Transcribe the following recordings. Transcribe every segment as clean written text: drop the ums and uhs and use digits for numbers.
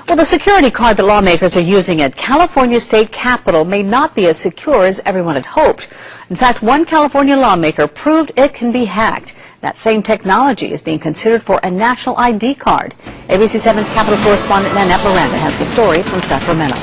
Well, the security card that lawmakers are using at California State Capitol may not be as secure as everyone had hoped. In fact, one California lawmaker proved it can be hacked. That same technology is being considered for a national ID card. ABC 7's Capitol correspondent Nanette Miranda has the story from Sacramento.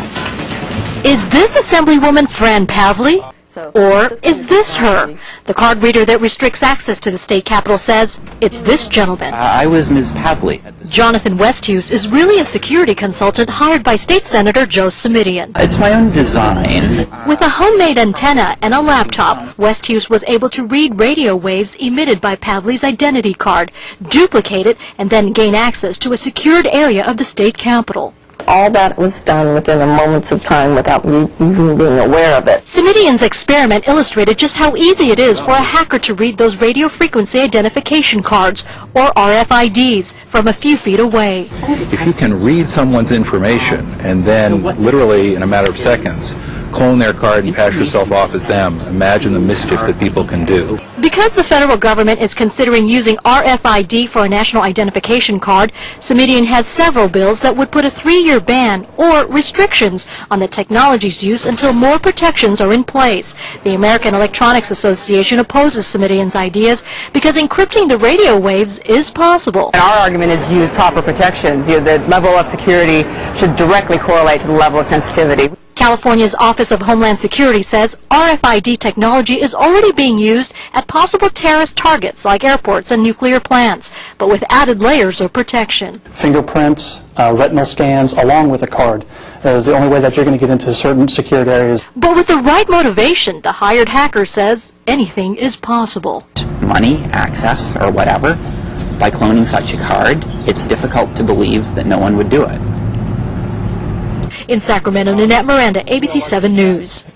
Is this Assemblywoman Fran Pavley? Or is this her? The card reader that restricts access to the state capitol says it's this gentleman. I was Ms. Pavley. Jonathan Westhuse is really a security consultant hired by State Senator Joe Simitian. It's my own design. With a homemade antenna and a laptop, Westhuse was able to read radio waves emitted by Pavley's identity card, duplicate it, and then gain access to a secured area of the state capitol. All that was done within a moments of time without me even being aware of it. Simitian's experiment illustrated just how easy it is for a hacker to read those radio frequency identification cards, or RFIDs, from a few feet away. If you can read someone's information and then literally in a matter of seconds clone their card and pass yourself off as them, imagine the mischief that people can do. Because the federal government is considering using RFID for a national identification card, Simitian has several bills that would put a 3-year ban or restrictions on the technology's use until more protections are in place. The American Electronics Association opposes Simitian's ideas because encrypting the radio waves is possible. And our argument is use proper protections. The level of security should directly correlate to the level of sensitivity. California's Office of Homeland Security says RFID technology is already being used at possible terrorist targets like airports and nuclear plants, but with added layers of protection. Fingerprints, retinal scans, along with a card is the only way that you're going to get into certain secured areas. But with the right motivation, the hired hacker says anything is possible. Money, access, or whatever. By cloning such a card, it's difficult to believe that no one would do it. In Sacramento, Nanette Miranda, ABC 7 News.